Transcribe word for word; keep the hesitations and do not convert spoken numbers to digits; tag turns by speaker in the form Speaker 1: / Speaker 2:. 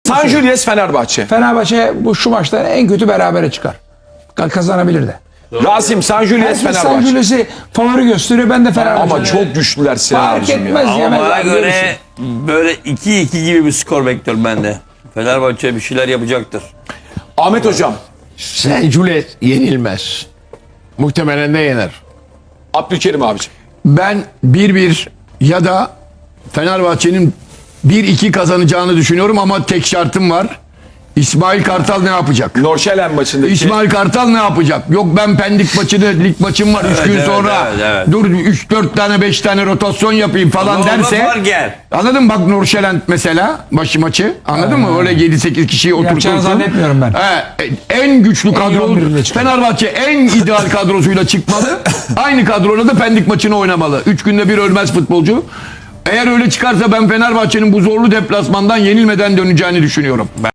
Speaker 1: San Julius Fenerbahçe.
Speaker 2: Fenerbahçe bu şu maçta en kötü berabere çıkar. Kazanabilir de.
Speaker 1: Rasim San Julius
Speaker 2: Herkes San
Speaker 1: Fenerbahçe.
Speaker 2: Julius'i favori gösteriyor. Ben de Fenerbahçe.
Speaker 1: Ama çok güçlüler Sinan
Speaker 2: fark
Speaker 1: abicim
Speaker 2: etmez.
Speaker 1: ya.
Speaker 3: Ama
Speaker 2: Yemezler,
Speaker 3: bana göre
Speaker 2: görürsün.
Speaker 3: böyle iki iki gibi bir skor bekliyorum ben de. Fenerbahçe bir şeyler yapacaktır.
Speaker 1: Ahmet hocam.
Speaker 4: San Julius yenilmez. Muhtemelen de yener.
Speaker 1: Abdülkerim abicim.
Speaker 4: Ben bir bir ya da Fenerbahçe'nin bir iki kazanacağını düşünüyorum ama tek şartım var. İsmail Kartal ne yapacak?
Speaker 1: Norşelen maçındaki.
Speaker 4: İsmail Kartal ne yapacak? Yok ben Pendik maçını, lig maçım var üç
Speaker 3: Evet,
Speaker 4: gün
Speaker 3: evet,
Speaker 4: sonra.
Speaker 3: evet, evet.
Speaker 4: Dur üç dört tane beş tane rotasyon yapayım falan
Speaker 3: Ama
Speaker 4: derse.
Speaker 3: orada var gel.
Speaker 4: Anladın mı? Bak Nurşelent mesela başı maçı. Anladın mı? Öyle yedi sekiz kişiyi
Speaker 2: Yapacağını
Speaker 4: oturtursun.
Speaker 2: zannetmiyorum ben.
Speaker 4: He, en güçlü kadro.
Speaker 2: on birinde çıkar.
Speaker 4: Fenerbahçe en ideal kadrosuyla çıkmalı. Aynı kadroyla da Pendik maçını oynamalı. Üç günde bir ölmez futbolcu. Eğer öyle çıkarsa ben Fenerbahçe'nin bu zorlu deplasmandan yenilmeden döneceğini düşünüyorum.